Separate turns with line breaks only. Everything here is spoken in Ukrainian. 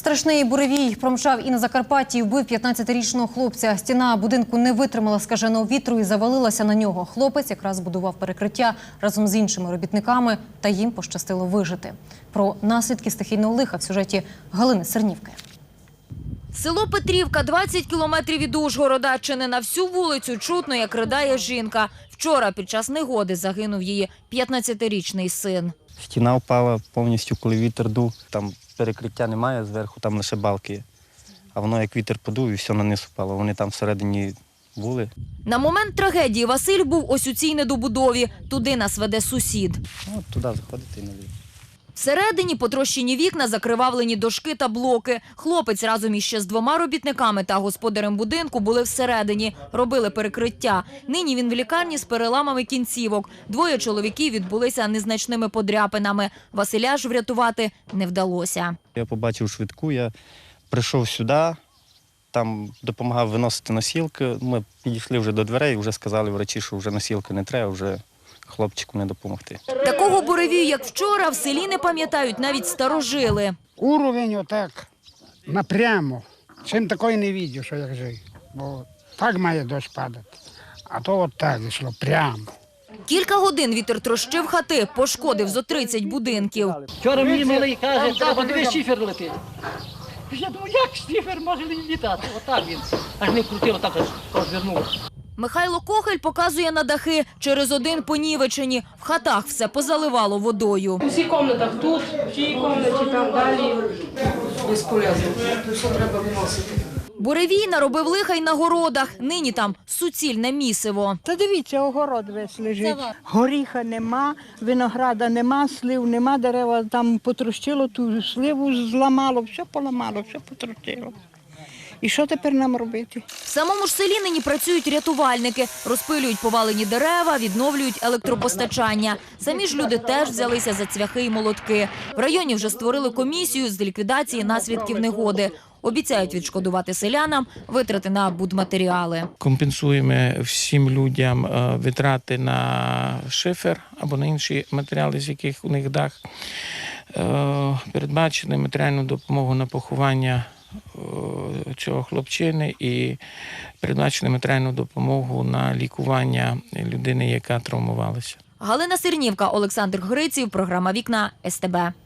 Страшний буревій промчав і на Закарпатті, вбив 15-річного хлопця. Стіна будинку не витримала скаженого вітру і завалилася на нього. Хлопець якраз будував перекриття разом з іншими робітниками, та їм пощастило вижити. Про наслідки стихійного лиха в сюжеті Галини Сернівки.
Село Петрівка, 20 кілометрів від Ужгорода. Чи не на всю вулицю чутно, як ридає жінка. Вчора під час негоди загинув її 15-річний син.
Стіна впала повністю, коли вітер дув. Там перекриття немає зверху, там лише балки є. А воно як вітер подув і все на низ впало. Вони там всередині були.
На момент трагедії Василь був ось у цій недобудові. Туди нас веде сусід.
От туди заходити і наліво.
Всередині потрощені вікна, закривавлені дошки та блоки. Хлопець разом іще з 2 робітниками та господарем будинку були всередині, робили перекриття. Нині він в лікарні з переламами кінцівок. 2 чоловіків відбулися незначними подряпинами. Василя ж врятувати не вдалося.
Я побачив швидку, я прийшов сюди, там допомагав виносити носілки. Ми підійшли вже до дверей, вже сказали врачі, що вже носілки не треба, вже хлопчику не допомогти.
Такого буревію, як вчора, в селі не пам'ятають навіть старожили.
Уровень отак, напрямо. Чим такої не бачив, що як жив. Бо так має дощ падати. А то от так йшло, прямо.
Кілька годин вітер трощив хати, пошкодив зо 30 будинків.
Вчора мені малий каже, треба дивись, шифер летить. Я думаю, як шифер може літати? Отак він. Аж не крутив, отак аж розвернувся.
Михайло Кохель показує на дахи. Через один понівечені. В хатах все позаливало водою.
У всіх кімнатах тут, в тій кімнаті, там далі. Безполезно. Все треба виносити.
Буревій наробив лиха й на городах. Нині там суцільне місиво.
Та дивіться, огород весь лежить. Горіха нема, винограда нема, слив нема, дерева там потрощило, ту сливу зламало, все поламало, все потрощило. І що тепер нам робити?
В самому ж селі нині працюють рятувальники. Розпилюють повалені дерева, відновлюють електропостачання. Самі ж люди теж взялися за цвяхи і молотки. В районі вже створили комісію з ліквідації наслідків негоди. Обіцяють відшкодувати селянам витрати на будматеріали.
Компенсуємо всім людям витрати на шифер або на інші матеріали, з яких у них дах. Передбачили матеріальну допомогу на поховання цього хлопчини і передбачили матеріальну допомогу на лікування людини, яка травмувалася.
Галина Сернівка, Олександр Гриців, програма «Вікна» СТБ.